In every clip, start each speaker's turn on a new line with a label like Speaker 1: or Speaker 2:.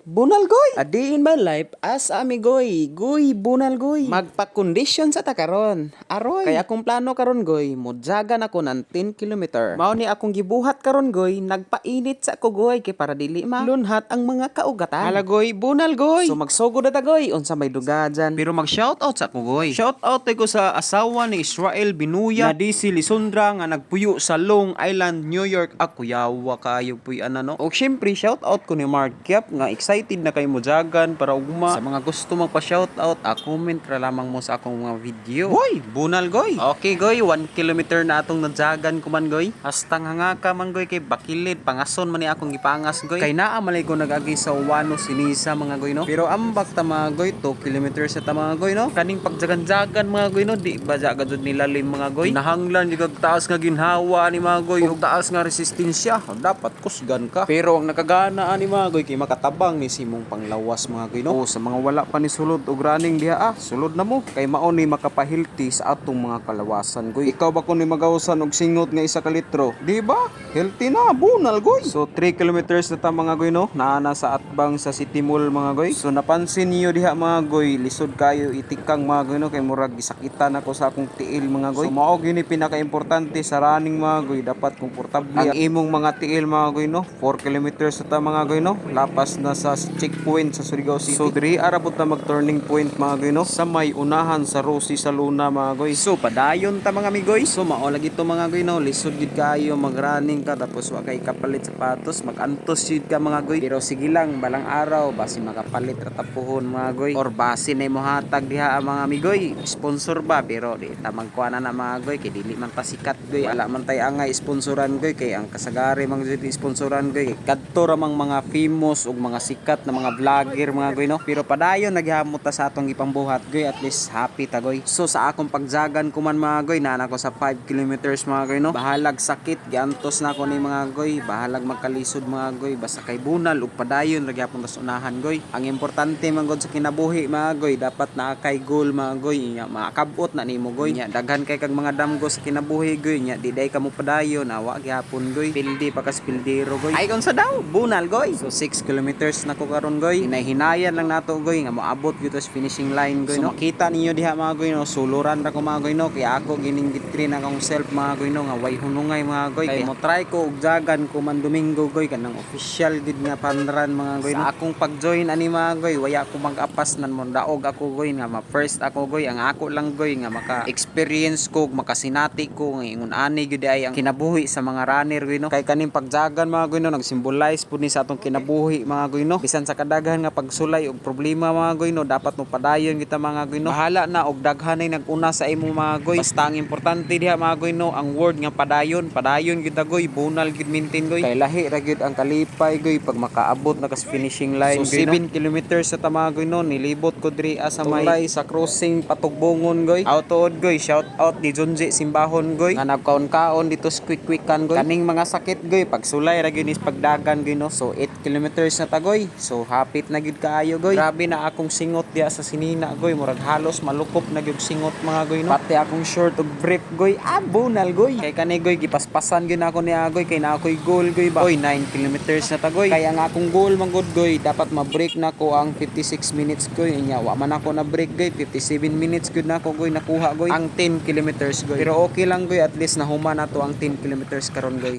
Speaker 1: bunal goy. A day in my life as amigoy. Goy, bunal goy. Magpa-condition sa takaron. Aroy. Kaya akong plano karon goy, mudyagan ako ng 10 kilometer. Mao ni akong gibuhat karon goy, nagpainit sa ako goy kay para dili lunhat ang mga kaugatan. Hala goy, bunal goy. So magsugod na ta goy, unsa may duga dyan. Pero mag-shoutout sa ako goy. Shoutout ko sa asawa ni Israel Binuya na di si Lisondra nga nagpuyo sa Long Island, New York. Ako yawa kayo puy no. O syempre shoutout ko ni Mark Kiap nga excited na kay mudyagan para ugma. Sa mga gusto magpa-shoutout, comment ra lamang mo sa akong mga video. Goy, bunal goy. Okay goy, 1 kilometer na atong nadyagan ko man goy. Hastang hanga ka man goy kay bakilid pangason man ni akong gipangas goy. Kay naa malay ko nagagi sa Wano Sinisa mga goy no. Pero ambak ta mga goy, 2 kilometers sa ta mga goy no. Kaning pagjagan-jagan mga goy no, di ba jagad jud nilalim mga goy. Nahanglan jud taas nga ginhawa ni mga goy, ug taas nga resistensya. Dapat kusgan ka. Pero ang nakagana ani mga goy kay makatabang ni simong panglawas mga goy no. O sa mga wala pa ni sulod og running diha sulod na mo kay mao ni makapahilti sa atong mga kalawasan goy. Ikaw ba kun ni magawsan og singot nga 1 ka litro? Di ba? Healthy na, bunal goy. So 3 kilometers na ta mga goy no. Naana sa atbang sa City Mall mga goy. So napansin niyo diha mga goy, lisod kayo itikang mga goy no kay murag gisakitan ako sa akong tiil mga goy. So mao gini pinaka-importante sa running mga goy, dapat komportable ang imong mga tiil mga goy no. 4 kilometers na ta mga goy no. Lapas na sa checkpoint sa Surigao City. So diri arabot na mag-turning point mga goy no. Sa may unahan sa Rosie sa Luna mga goy. So padayon ta mga migoy. So mao lagi to mga goy no. Lisod gid kayo mag-running ka tapos wa kay kapalit sapatos, mag-antos jud ka mga goy. Pero sige lang balang araw basi makapalit ra tapuhon mga goy. Or basi na mo hatag diha mga migoy. Sponsor ba pero di ta magkuana na mga goy kay dili man ta sikat goy. Wala man tay angay sponsoran goy kay ang kasagari mang jud sponsoran goy. Kadto ra mang mga famous ug mga sikat na mga vlogger mga goy no. Pero padayon naghamot ta sa atong ipambuhat goy, at least happy ta goy. So sa akong pagjagan ko man mga goy, naa ko sa 5 kilometers mga goy no. Bahalag sakit giantos na ko ni mga goy, bahalag magkalisod mga goy, basta kay bunal ug padayon ra gyapon tas unahan goy. Ang importante man gud sa kinabuhi mga goy, dapat naa kay goal mga goy, nya makabot na nimo goy. Nya daghan kay kag mga damgo sa kinabuhi goy, nya di day ka mo padayon, awa gyapon goy. Pildi pa kas pildero goy. Ay unsa daw? Bunal goy. So 6 kilometers na ko karon goy. Hinahinayan lang nato goy nga moabot gyud sa finishing line goy no. So makita ninyo diha mga goy no, suluran ra ko mga goy no, kay ako gininggit green akong self mga goy no nga way hunungay mga goy. Kay mo try ko og jagan ko man Domingo goy kanang official gid nga panran mga goy no. Sa akong pag-join ani mga goy, waya ko mag-apas nan mo daog ako goy nga ma-first ako goy. Ang ako lang goy nga maka-experience ko, makasinati ko nga ingon ani gyud ay ang kinabuhi sa mga runner goy no. Kay kaning pagjagan mga goy no, nag-symbolize pud ni sa atong kinabuhi mga goy no. Bisan sa kadaghan nga pagsulay og problema mga goy no, dapat mo padayon kita mga goy no. Bahala na og daghanay nag-una sa imo mga goy. Basta ang importante diha mga goy no, ang word nga padayon, padayon gyud ta goy, bunal gyud maintain goy. Kay lahi ra gyud ang kalipay goy pag makaabot na kas finishing line. So 7 kilometers sa ta mga goy no, nilibot ko diri sa may sa crossing Patugbongon goy. Autood goy, shout out ni Junji Simbahon goy nga nagkaon-kaon dito sa quick-quickan goy. Kaning mga sakit goy pagsulay ra gyud is pagdagan goy no. So 8 kilometers na ta goy. So hapit na gyud kaayo goy. Grabe na akong singot diha sa Sinina goy, murag halos malukop na gyud singot mga goy no. Pati akong short og brief goy, bunal goy. Kay kani goy gipaspasan gyud ako ni agoy kay na ako'y goal goy ba. Oy 9 kilometers na ta goy. Kay ang akong goal man gud goy, dapat ma-break na ko ang 56 minutes goy. Nya wa man ako na break goy, 57 minutes gud na ako goy nakuha goy ang 10 kilometers goy. Pero okay lang goy, at least nahuman na to ang 10 kilometers karon goy.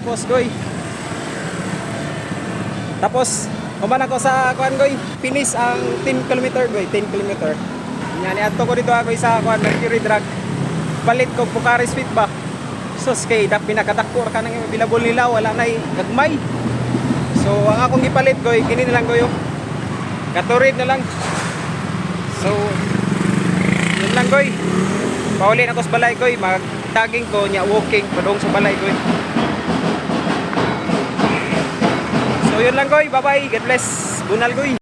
Speaker 1: Tapos human ako sa kuan goy, finish ang 10 kilometer goy, 10 kilometer. Nya ni adto ko dito ako sa kuan Mercury Drug. Palit ko Bucharest Fit ba. Sus kay dak pinakadakor ka nang bilabol nila, wala nay gagmay. So ang akong gipalit goy, kini na lang goy oh. Katurid na lang. So yun lang goy. Pauli na ko sa balay goy, mag-tagging ko nya walking padong sa balay goy. So yun lang goy, bye bye, God bless. Bunal goy.